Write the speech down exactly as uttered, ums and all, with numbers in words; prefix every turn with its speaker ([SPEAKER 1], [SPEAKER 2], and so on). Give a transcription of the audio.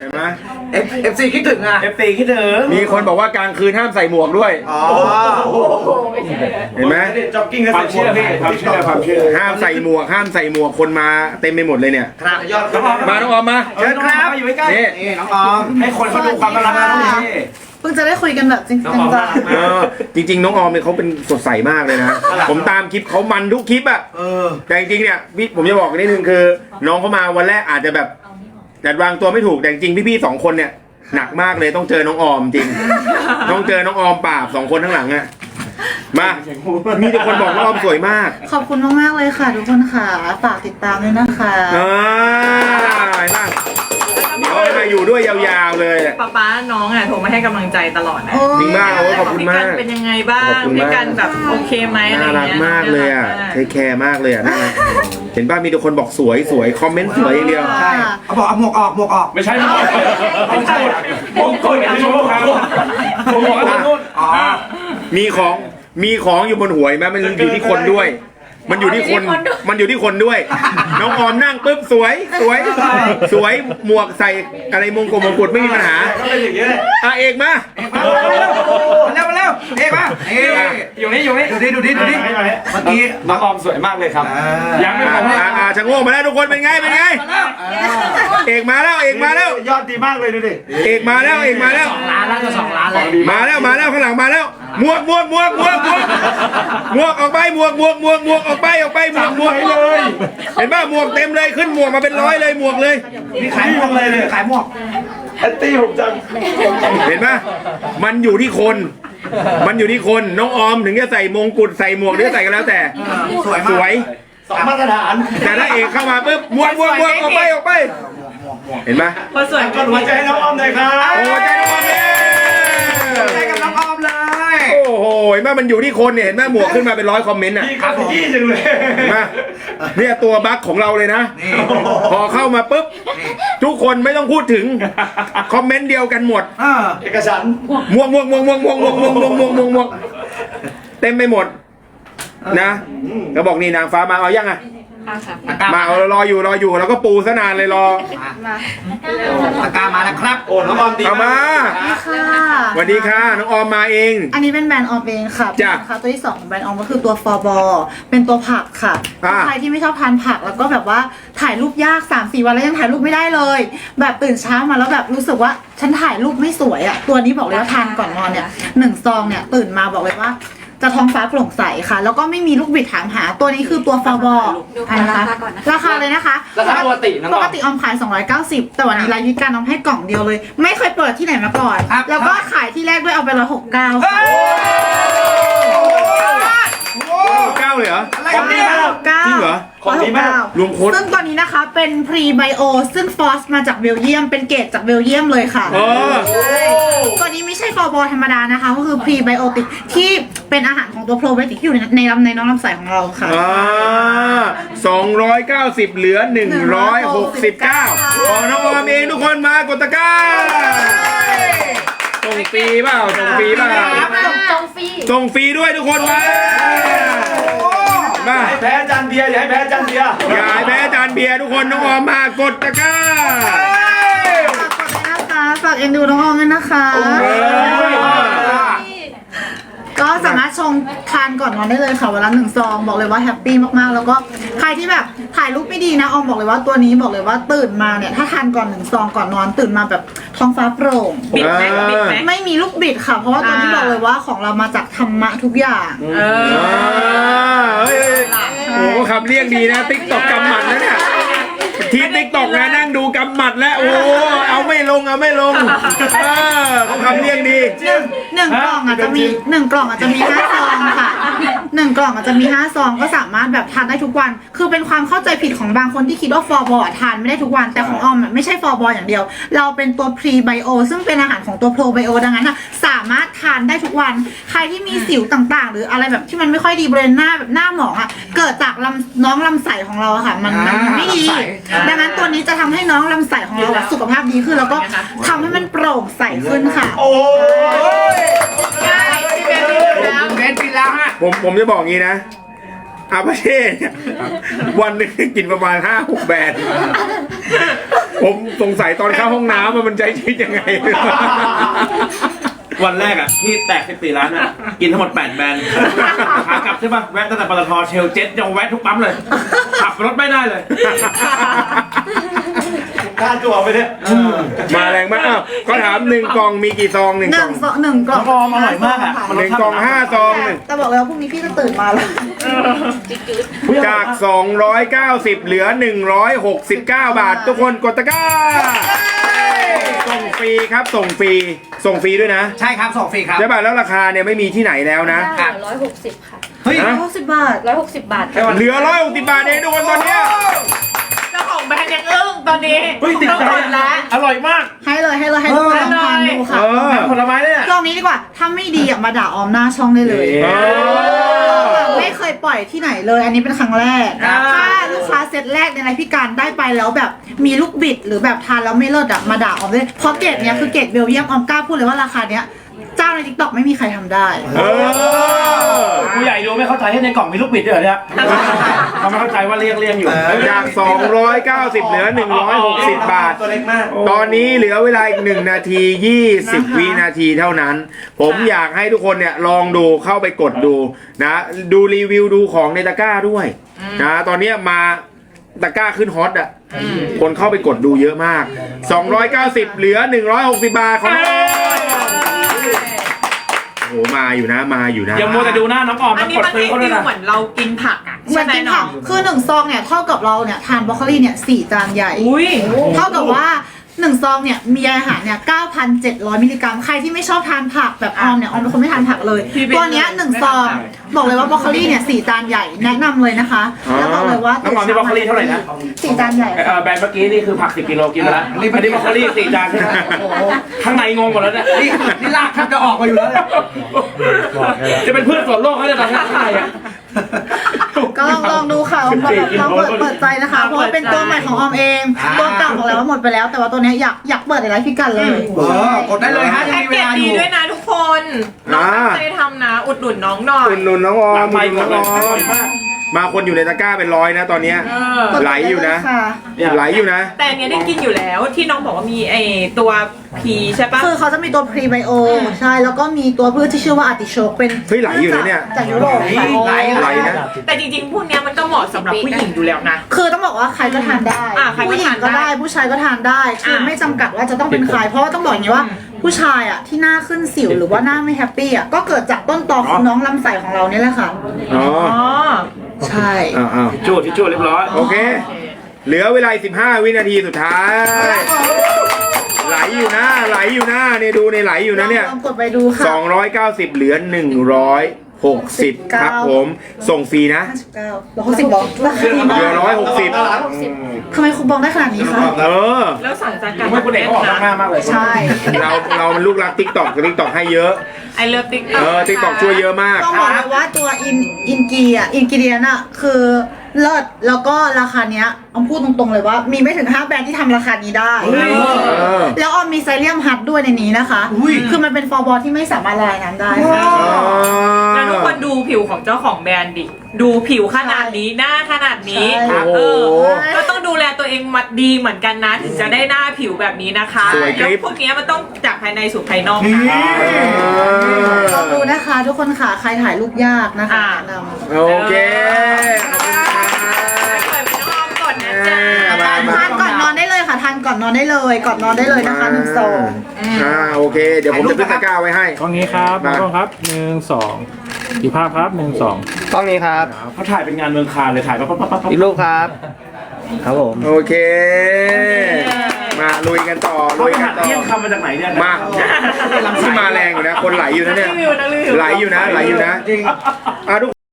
[SPEAKER 1] เห็นไหม
[SPEAKER 2] เอฟซีคิดถึงอ่ะ
[SPEAKER 3] เอฟซีคิดถึง
[SPEAKER 1] มีคนบอกว่ากลางคืนห้ามใส่หมวกด้วย
[SPEAKER 2] อ๋อ
[SPEAKER 1] เห็นไหม
[SPEAKER 3] จ็อกกิ้งก็ความเชื่อพี่ความเชื่อความเชื่อ
[SPEAKER 1] ห้ามใส่หมวกห้ามใส่หมวกคนมาเต็มไปหมดเลยเนี่ย
[SPEAKER 2] ครับยอด
[SPEAKER 1] มาน้องออมมา
[SPEAKER 3] เชิญครับอยู่ใกล้
[SPEAKER 1] นี่
[SPEAKER 2] นี่น้องออม
[SPEAKER 3] ให้คนเขาดูความน่ารักนะพี่
[SPEAKER 4] เพิ่งจะได้คุยกันแบบจริงจัง
[SPEAKER 1] เออจริง ๆ น้องออมเนี่ยเขาเป็นสดใสมากเลยนะ ผมตามคลิปเขามันทุกคลิปอะ
[SPEAKER 2] เออ
[SPEAKER 1] แต่จริงๆเนี่ยพี่ผมจะบอกนิดนึงคือ น้องเขามาวันแรกอาจจะแบบจัดวางตัวไม่ถูกแต่จริงๆพี่ๆสองคนเนี่ยหนักมากเลยต้องเจอน้องออมจริง ต้องเจอน้องออมปราบสองคนข้างหลังอะมามีแต่คนบอกน้องออมสวยมาก
[SPEAKER 4] ขอบคุณมากๆเลยค่ะทุกคนค่ะฝากติดตามด้วยนะคะ
[SPEAKER 1] อ่าเห็นปะเดี๋ยวให้มาอยู่ด้วยยาวๆเลย
[SPEAKER 5] ป๊าป๊าน้องอ่ะโทรมาให้กำลังใจตลอดนะ
[SPEAKER 4] โอ้
[SPEAKER 1] จริงมากโอ้ยขอบคุณ
[SPEAKER 5] พี่
[SPEAKER 1] มา
[SPEAKER 5] กั
[SPEAKER 1] ก
[SPEAKER 5] นเป็นยังไงบ้า
[SPEAKER 1] ข
[SPEAKER 5] ง
[SPEAKER 1] อบคุณมาก
[SPEAKER 5] พี่กันแบบโอเคไหมอะไร
[SPEAKER 1] น่ารัก
[SPEAKER 5] เงี้ย
[SPEAKER 1] มากเลยอ่ะ
[SPEAKER 5] น่ารัก
[SPEAKER 1] เทคแคร์มากเลยอ่ะน่ารักเห็นป่ะมีแต่คนบอกสวยสวยคอมเมนต์สวยอย่างเดียว
[SPEAKER 2] ใช่เขาบอกเอาหมวกออกหมวกออก
[SPEAKER 3] ไม่ใช่ไม่ใช่ไม่ใช่มงกุฎไม่ใช่มงกุฎผมบอกว่านู่น
[SPEAKER 2] อ๋อ
[SPEAKER 1] มีของมีของอยู่บนหัวไหมมันอยู่ที่คนด้วย มันอยู่ที่คนมันอยู่ที่คนด้วย น้องออมนั่งปุ๊บสวยสวยสวยหมวกใส่อะไรมงกุฎมงกุฎไม่มีปัญหา
[SPEAKER 3] ก็เป็นอย่างนี้เลย
[SPEAKER 1] อ่ะเอกมา
[SPEAKER 2] มาเร็วมาเร็วเอ๊ะมาเอ๊ะ
[SPEAKER 3] อยู่นี่อยู่นี่
[SPEAKER 2] ดูดิดูดิดูดิเมื่อกี้
[SPEAKER 3] น้องออมสวยมากเลยครับยังไม่พอ
[SPEAKER 1] อ่ะอ่ะชะโงกมาแล้วทุกคนเป็นไงเป็นไงเอกมาแล้วเอกมาแล้ว
[SPEAKER 3] ยอดดีมากเลยดูดิ
[SPEAKER 1] เอกมาแล้วเอกมาแล้ว
[SPEAKER 2] ล้านแล้วจะสองล้านแล้ว
[SPEAKER 1] มาแล้วมาแล้วข้างหลังมาแล้วหมวกหมวกหมวกหมวกหมวกหมวกออกไปหมวกหมวกหมวกหมวกออกไปออกไปหมวกหมวกเลยเห็นป่ะหมวกเต็มเลยขึ้นหมวกมาเป็นร้อยเลยหมวกเลย
[SPEAKER 2] นี่ขายหมวกเลยเลยขายหมวก
[SPEAKER 3] แอนตี้ผมจัง
[SPEAKER 1] เห็นป่ะมันอยู่ที่คน มันอยู่ที่คนน้องออมถึงจะใส่มงกุฎใส่หมวกหรือใส่กันแล้วแต่
[SPEAKER 2] สวยมาก
[SPEAKER 1] สวย
[SPEAKER 3] สองมาตรฐาน
[SPEAKER 1] แต่ถ้าเอกเข้ามาปุ๊บหมวกหมวกหมวกออกไปออกไป เห็นป่ะ
[SPEAKER 5] คนสวย
[SPEAKER 3] กดหัวใจน้องออมหน่อยครับ
[SPEAKER 1] โอ้ใจน้องออมเนี่ย
[SPEAKER 2] ใจกับน้องออมเลย
[SPEAKER 1] โอ้โหเห็นป่ะมันอยู่ที่คนเนี่ยเห็นป่ะหมวกขึ้นมาเป็นร้อยคอมเมนต์อ่ะ
[SPEAKER 3] พี่ครับพี่จังเลย
[SPEAKER 1] เห็นป่ะเนี่ยตัวบั๊กของเราเลยนะ
[SPEAKER 2] นี่
[SPEAKER 1] พอเข้ามาปุ๊บทุกคนไม่ต้องพูดถึงคอมเมนต์เดียวกันหมด
[SPEAKER 2] เออ
[SPEAKER 3] เอกฉันท์
[SPEAKER 1] ม่วงม่วงม่วงม่วงม่วงม่วงม่วงม่วงม่วงม่วงม่วงเต็มไปหมดนะก็บอกนี่นางฟ้ามาเอายังอ่ะมาเอารออยู่รออยู่แล้วก็ปูซะนานเลยรอ
[SPEAKER 2] ปากกามาแล้วครับ
[SPEAKER 3] โอ้น้องออมดี
[SPEAKER 1] เอามา
[SPEAKER 4] ค่ะ
[SPEAKER 1] สวัสดีค่ะน้องออมมาเอง
[SPEAKER 4] อันนี้เป็นแบรนด์ออมเองค่ะ
[SPEAKER 1] จ้ะ
[SPEAKER 4] ค่ะตัวที่สองของแบรนด์ออมก็คือตัวฟอร์บอเป็นตัวผักค่ะ
[SPEAKER 1] อ่า
[SPEAKER 4] ใครที่ไม่ชอบทานผักแล้วก็แบบว่าถ่ายรูปยาก สามสี่ วันแล้วยังถ่ายรูปไม่ได้เลย แบบตื่นเช้ามาแล้วแบบรู้สึกว่าฉันถ่ายรูปไม่สวยอ่ะตัวนี้บอกเลยว่าทานก่อนนอนเนี่ยหนึ่งซองเนี่ยตื่นมาบอกเลยว่าจะท้องฟ้าโปร่งใสค่ะ แล้วก็ไม่มีลูกบิดถามหาตัวนี้คือตัวฟอร์บอนะคะราคาเลยนะคะ
[SPEAKER 2] ราคาปกติน้อง
[SPEAKER 4] ป
[SPEAKER 2] ออม
[SPEAKER 4] กติออมขาย สองร้อยเก้าสิบ แต่วันนี้รายวิการออมให้กล่องเดียวเลย ไม่เคยเปิดที่ไหนมาก่อน
[SPEAKER 2] ครับ
[SPEAKER 4] แล้วก็ขายที่แรกด้วยเอาไปร้อยหกสิบเก้าค่ะ
[SPEAKER 1] เก้าเลยเหรอ
[SPEAKER 2] อะไร
[SPEAKER 3] ของดี
[SPEAKER 2] เนี่ย
[SPEAKER 3] มาก
[SPEAKER 4] เก้า
[SPEAKER 1] จริงเหรอ
[SPEAKER 3] ของดีมาก
[SPEAKER 1] รวมโค้ด
[SPEAKER 4] ซึ่งตัวนี้นะคะเป็นพรีไบโอซึ่งฟอสมาจากเบลเยียมเป็นเกรดจากเบลเยียมเลยค่ะ
[SPEAKER 1] เออ
[SPEAKER 4] ใช่ตัวนี้ไม่ใช่ฟอร์บอธรรมดานะคะ ก็คือพรีไบโอติกที่เป็นอาหารของตัวโปรไบโอติกที่อยู่ในในลำในน้องลำไส้ของเราค่ะ
[SPEAKER 1] อ่าสองร้อยเก้าสิบเหลือหนึ่งร้อยหกสิบเก้าของน้องออมเองทุกคนมากดตะกร้าส่งฟรีเปล่าส่งฟรีเปล่า
[SPEAKER 6] จงฟรี
[SPEAKER 1] ส่งฟรีด้วยทุกคนมามา
[SPEAKER 3] ให้แพ้จานเบียร์อย่าให้แพ้จานเบียร์
[SPEAKER 1] อย่าให้แพ้จานเบียร์ทุกคนน้องออมมากดตะกร้า
[SPEAKER 4] ฝากกดด้วยนะคะฝากเอ็นดูน้องออมด้วยนะคะ
[SPEAKER 1] เออ
[SPEAKER 4] ก็สามารถชงทานก่อนนอนได้เลยค่ะวันละหนึ่งซองบอกเลยว่าแฮปปี้มากๆแล้วก็ใครที่แบบถ่ายรูปไม่ดีนะออมบอกเลยว่าตัวนี้บอกเลยว่าตื่นมาเนี่ยถ้าทานก่อนหนึ่งซองก่อนนอนตื่นมาแบบท้องฟ้าโปร่ง
[SPEAKER 5] บิดไหมบิดไหม
[SPEAKER 4] ไม่มีลูกบิดค่ะ เพราะว่าตัวนี้
[SPEAKER 5] อ่า
[SPEAKER 4] บอกเลยว่าของเรามาจากธรรมะทุกอย่าง
[SPEAKER 5] เออ
[SPEAKER 1] เฮ้ยโอ้โหคำเรียกดีนะติ๊กตอกกำหมัดแล้วเนี่ยทีมติ๊กตอกนะนั่งดูกำหมัดแล้วโอ้เอาไม่ลงเอาไม่ลงเออเขาคำเรียกดี
[SPEAKER 4] หนึ่งหนึ่งกล่องอาจจะมีหนึ่งกล่องอาจจะมีห้าซองค่ะหนึ่งกล่องอาจจะมีห้าซองก็สามารถแบบทานได้ทุกวัน คือเป็นความเข้าใจผิดของบางคนที่คิดว่าฟอร์บอทานไม่ได้ทุกวันแต่ของออมอะไม่ใช่ฟอร์บออย่างเดียว เราเป็นตัวพรีไบโอซึ่งเป็นอาหารของตัวโปรไบโอดังนั้นอะสามารถทานได้ทุกวัน ใครที่มีสิวต่างๆ หรืออะไรแบบที่มันไม่ค่อยดีบริเวณหน้าแบบหน้าหมองอะเกิดจากลำน้องลำไส้ของเราอะค่ะมันมันไม่ดี ดังนั้นตัวนี้จะทำให้น้องลำไส้ของเราอะสุขภาพดีขึ้นแล้วก็ทำให้มันโปร่งใสขึ้นค่ะ
[SPEAKER 3] โอ้ย
[SPEAKER 2] เบนปิดแล้วฮะ
[SPEAKER 1] ผมผมจะบอกงี้นะอาปาเช่เนี่ยวันหนึงกินประมาณห้าหกแบรนด์ผมสงสัยตอนเข้าห้องน้ำว่ามันใจชีวิตยังไง
[SPEAKER 3] วันแรกอ่ะที่แตกสิบสี่ล้านอ่ะกินทั้งหมดแปดแบรนด์ขากลับใช่ป่ะแวะตั้งแต่ปตทเชลเจ็ตยังแวะทุกปั๊มเลยขับรถไม่ได้เลยกล้าจั่วไปเนี่ย
[SPEAKER 1] มาแรงมากอ้าวก็ถามหนึ่งกล่องมีกี่ซองหนึ่ง
[SPEAKER 4] ห
[SPEAKER 1] กล่
[SPEAKER 4] นึ่
[SPEAKER 1] อง
[SPEAKER 4] งซองหนึ่งกล่อง
[SPEAKER 3] น้องออมอร่อยมากอะ
[SPEAKER 1] หนึ่งกล่องห้าซองหนึ่ง
[SPEAKER 4] แต่บอกเลยว่าพรุ่งนี้พี่ก็ตื่นมาแล้ว
[SPEAKER 1] จากสองร้อยเก้าสิบเหลือหนึ่งร้อยหกสิบเก้าบาท ทุกคนกดตะกร้าส่งฟรีครับส่งฟรีส่งฟรีด้วยนะ
[SPEAKER 2] ใช่ครับส่งฟรีครับ
[SPEAKER 1] ใช่ป่ะแล้วราคาเนี่ยไม่มีที่ไหนแล้วนะ
[SPEAKER 6] ร้อยหกสิบค่ะ
[SPEAKER 2] เฮ้ย
[SPEAKER 1] ฮะ
[SPEAKER 4] หกสิบบาท
[SPEAKER 6] ร้อยหกสิบบาท
[SPEAKER 1] เหลือร้อยหกสิบบาทเองทุกคนตอนเนี้ย
[SPEAKER 5] เจ้าของแบรนด์ยังอึ้งตอนนี้
[SPEAKER 3] เฮ้ยติด
[SPEAKER 5] ต้อง
[SPEAKER 3] ใจ
[SPEAKER 5] กดแล้ว
[SPEAKER 3] อร่อยมาก
[SPEAKER 4] ให้เลยให้เลยให้ทุกคนลองทานดูค่ะ
[SPEAKER 1] เออ
[SPEAKER 3] ผลไม้เนี่ย
[SPEAKER 4] กล่องนี้ดีกว่า ถ้าไม่ดีอ่ะมาด่าออมหน้าช่องได้เลย
[SPEAKER 1] เออ
[SPEAKER 4] ไม่เคยปล่อยที่ไหนเลย อันนี้เป็นครั้งแรก
[SPEAKER 5] ครับ
[SPEAKER 4] ถ้าลูกค้าเซตแรกในไรพี่การได้ไปแล้วแบบมีลูกบิดหรือแบบทานแล้วไม่เลิศอ่ะมาด่าออมเลยเพราะเกรดเนี้ยคือเกรดเบลเยียมออมกล้าพูดเลยว่าราคาเนี้ยเจ้าในทิกตอกไม่มีใครทำได้
[SPEAKER 1] เออ
[SPEAKER 3] ผู้ใหญ่ดูไม่เข้าใจให้ในกล่องมีลูกบิดด้วยเหรอเนี่ยเขาไม่เข้าใจว่าเรียงเรียงอยู่
[SPEAKER 1] จากสองร้อยเก้าสิบเหลือหนึ่งร้อยหกสิบบาท
[SPEAKER 3] ตัวเล็กมาก
[SPEAKER 1] ตอนนี้เหลือเวลาอีกหนึ่งนาทียี่สิบ
[SPEAKER 4] นะคะ
[SPEAKER 1] วินาทีเท่านั้น ผมอยากให้ทุกคนเนี่ยลองดูเข้าไปกดดูนะ ดูรีวิวดูของในตะกร้าด้วยนะตอนเนี้ยมาตะกร้าขึ้นฮอตอ่ะคนเข้าไปกดดูเยอะมาก สองร้อยเก้าสิบเหลือหนึ่งร้อยหกสิบบาทของน้องโอ้โหมาอยู่นะมาอยู่นะ
[SPEAKER 3] อย่ามัวแต่ดูหน้าน้องออม
[SPEAKER 5] อัน
[SPEAKER 3] นะ
[SPEAKER 5] นี้
[SPEAKER 3] กด
[SPEAKER 5] มัน
[SPEAKER 3] ซื้อ
[SPEAKER 5] ฟี
[SPEAKER 3] เขาด้วย
[SPEAKER 5] ล
[SPEAKER 3] นะ
[SPEAKER 5] เหมือนเรากินผักอ่ะ
[SPEAKER 4] เหมือนกินผักคือหนึ่งซองเนี่ยเท่ากับเราเนี่ยทานบรอกโคลีเนี่ยสี่จานใหญ่
[SPEAKER 5] อุ้ย
[SPEAKER 4] เท่ากับว่าหนึ่งซองเนี่ยมีอาหารเนี่ยเก้าพันเจ็ดร้อยมิลลิกรัมใครที่ไม่ชอบทานผักแบบออมเนี่ยออมเป็นคนไม่ทานผักเลย ตัวเนี้ยหนึ่งซองบอกเลยว่าบรอกโคลีเนี่ยสี่จานใหญ่แนะนำเลยนะคะแล้วบอกเลยว่า
[SPEAKER 3] น้องออมนี่บรอกโคลีเท่าไหร่นะ
[SPEAKER 4] สี่จานใหญ่
[SPEAKER 3] เอ่อแบรนด์เมื่อกี้นี่คือผักสิบกิโลกินไปแล้วอันนี้บรอกโคลีสี่จานใช่ไหมข้างในงงหมดแล้วเนี่ย
[SPEAKER 2] นี่นี่ลากแทบจะออกมาอยู่แล้วเนี่ย
[SPEAKER 3] จะเป็นเพื่อนส่วนโลกเขาจะตอนข้างในอ่ะ
[SPEAKER 4] ก็ลองลองดูค่ะลองลองเปิดเปิดใจนะคะเพราะว่าเป็นตัวใหม่ของออมเองตัวเก่าบอกแล้วว่าหมดไปแล้ว แต่ว่าตัวเนี้ยอยากอยากเปิดในไลฟ์พี่กันเลย
[SPEAKER 2] เออกดได้เลยฮะยัง
[SPEAKER 5] แพ็ก
[SPEAKER 2] มีเว
[SPEAKER 5] เกจ
[SPEAKER 2] ลาอ
[SPEAKER 5] ดี
[SPEAKER 2] ยู่
[SPEAKER 5] ด้วยนะทุกคนน้องตั้งใจทำนะ อุดหนุนน้องหน่อย
[SPEAKER 1] คุณนุนน้องออ
[SPEAKER 3] หลั
[SPEAKER 1] ม
[SPEAKER 3] งไม
[SPEAKER 1] คุณ
[SPEAKER 3] ค์
[SPEAKER 1] นุน
[SPEAKER 3] หม
[SPEAKER 1] น้
[SPEAKER 3] ด
[SPEAKER 1] อง
[SPEAKER 3] เลย
[SPEAKER 1] ออม
[SPEAKER 3] อร่อยมาก
[SPEAKER 1] มาคนอยู่ในตะกร้าเป็นร้อยนะตอนเนี้ย
[SPEAKER 5] เออ
[SPEAKER 1] ไหลอยู่นะ
[SPEAKER 4] ค่ะ
[SPEAKER 1] ไหลอยู่นะ
[SPEAKER 5] แต่อันเนี้ยได้กินอยู่แล้วที่น้องบอกว่ามีไอตัวพีใช่ปะ
[SPEAKER 4] คือเขาจะมีตัวพรีไบโอใช่แล้วก็มีตัวพืชที่ชื่อว่าอาร์ติโชกเป็น
[SPEAKER 1] เฮ้ยไหลอยู่นะเนี่ย
[SPEAKER 4] จากยุโรปค่ะ
[SPEAKER 2] ไหล
[SPEAKER 1] ไหลนะ
[SPEAKER 5] แต่จริงๆพวกเนี้ยมันก็เหมาะสำหรับผู้หญิงอยู่แล้วนะ
[SPEAKER 4] คือต้องบอกว่าใครก็ทานได้
[SPEAKER 5] อ่าใครก็
[SPEAKER 4] ผู้หญิ
[SPEAKER 5] ทาง นได้
[SPEAKER 4] ก็ได้ผู้ชายก็ทานได้คือ
[SPEAKER 5] อ่า
[SPEAKER 4] ไม่จำกัดว่าจะต้องเป็นใครเพราะว่าต้องบอกอย่างนี้ว่า ผู้ชายอ่ะที่หน้าขึ้นสิวหรือว่าหน้าไม่แฮปปี้อ่ะก็เกิดจากต้นตอของน้องลำไส้ของเราเนี่ยแหละค่ะ
[SPEAKER 1] อ๋อ
[SPEAKER 5] อ๋อ
[SPEAKER 4] ใช่
[SPEAKER 1] อ้าวอ้าว
[SPEAKER 3] ทิชชู่ทิชชู่เรียบร้อย
[SPEAKER 1] โอเค เหลือเวลาสิบห้าวินาทีสุดท้าย ไหลอยู่นะ ไหลอยู่นะเนี่ยดูในไหลอยู่นะเนี่ย
[SPEAKER 4] ลองกดไปดูค่ะ
[SPEAKER 1] สองร้อยเก้าสิบเหลือหนึ่งร้อยหกสิบครับผม ส่งฟรีนะ
[SPEAKER 4] ห้าสิบเก้าร้อยหกสิบบอกราคาดี
[SPEAKER 1] เห
[SPEAKER 4] มา
[SPEAKER 1] ลือก ร้อยหกสิบ
[SPEAKER 4] ทำไมคูปองได้ขนาดนี้คะ
[SPEAKER 1] เออ
[SPEAKER 5] แล้วสั่งจากการ
[SPEAKER 3] ไม่คุณเอกเขาออกหน้ามากเลย
[SPEAKER 4] ใช่
[SPEAKER 1] เราเรามันลูกรักติ๊กต็อกติ๊กต็อกให้เยอะ
[SPEAKER 5] ไอเลิฟติ๊ก
[SPEAKER 1] เออติ๊กต็อกช่วยเยอะมาก
[SPEAKER 4] ต้องบอกเลยว่าตัวอินอินกีอ่ะอินกิเดียนอ่ะคือเลิศแล้วก็ราคาเนี้ยออมพูดตรงๆเลยว่า มีไม่ถึงห้าแบรนด์ที่ทำราคานี้ได้
[SPEAKER 1] เออ
[SPEAKER 4] แล้วออมมีไซเลียมฮัทด้วยในนี้นะคะ คือมันเป็นฟอร์บอลที่ไม่สามารถละลายน้ำได้ค่ะ
[SPEAKER 5] แล้วทุกคนดูผิวของเจ้าของแบรนด์ดิ ดูผิวขนาดนี้หน้าขนาดนี้
[SPEAKER 1] ใช่
[SPEAKER 5] เออ
[SPEAKER 1] โอ้โห
[SPEAKER 5] ก็ต้องดูแลตัวเองมาดีเหมือนกันนะถึงจะได้หน้าผิวแบบนี้นะคะ
[SPEAKER 1] สวยกริ๊บ
[SPEAKER 5] แล้วพวกเนี้ยมันต้องจากภายในสู่ภายนอกนะ
[SPEAKER 4] ลองดูนะคะทุกคนค่ะ ใครถ่ายรูปยากนะคะ
[SPEAKER 5] อ่า
[SPEAKER 4] แนะนำ
[SPEAKER 1] โอเคขอบคุณครับ
[SPEAKER 5] เปิดเป็นน้องก่อนนะจ๊ะ
[SPEAKER 1] มามา
[SPEAKER 4] ทานก่อนนอนได้เลยค่ะทานก่อนนอนได้เลย ก่อนนอนได้เลยนะคะหนึ่งซอง
[SPEAKER 1] อ่าโอเค เดี๋ยวผมจะขึ้นตะกร้าไว้ให้
[SPEAKER 7] กล้องนี้ครับ
[SPEAKER 1] มา
[SPEAKER 7] กล้องครับหนึ่งสองอีกภาพครับหนึ่งสอง
[SPEAKER 8] กล้องนี้ครับ
[SPEAKER 3] เขาถ่ายเป็นงานเมืองคานเลยถ่ายปั๊บปั๊บปั๊บปั๊บ
[SPEAKER 8] อีกรูปครับ ครับผม
[SPEAKER 1] โอเค มาลุยกันต่อ
[SPEAKER 3] เขา
[SPEAKER 1] ลุย
[SPEAKER 3] ไป
[SPEAKER 1] กั
[SPEAKER 3] หั
[SPEAKER 1] น
[SPEAKER 3] ด
[SPEAKER 1] ต่อ
[SPEAKER 3] เที่ยงคำมาจากไหนเนี่ย
[SPEAKER 1] มาที่มาแรงอยู่นะ คนไหลอยู่นะเนี่ย
[SPEAKER 5] รีวิวนะรีวิว
[SPEAKER 1] ไหลอยู่นะ ไหลอยู่นะ
[SPEAKER 2] จริง
[SPEAKER 1] อ่ะทุก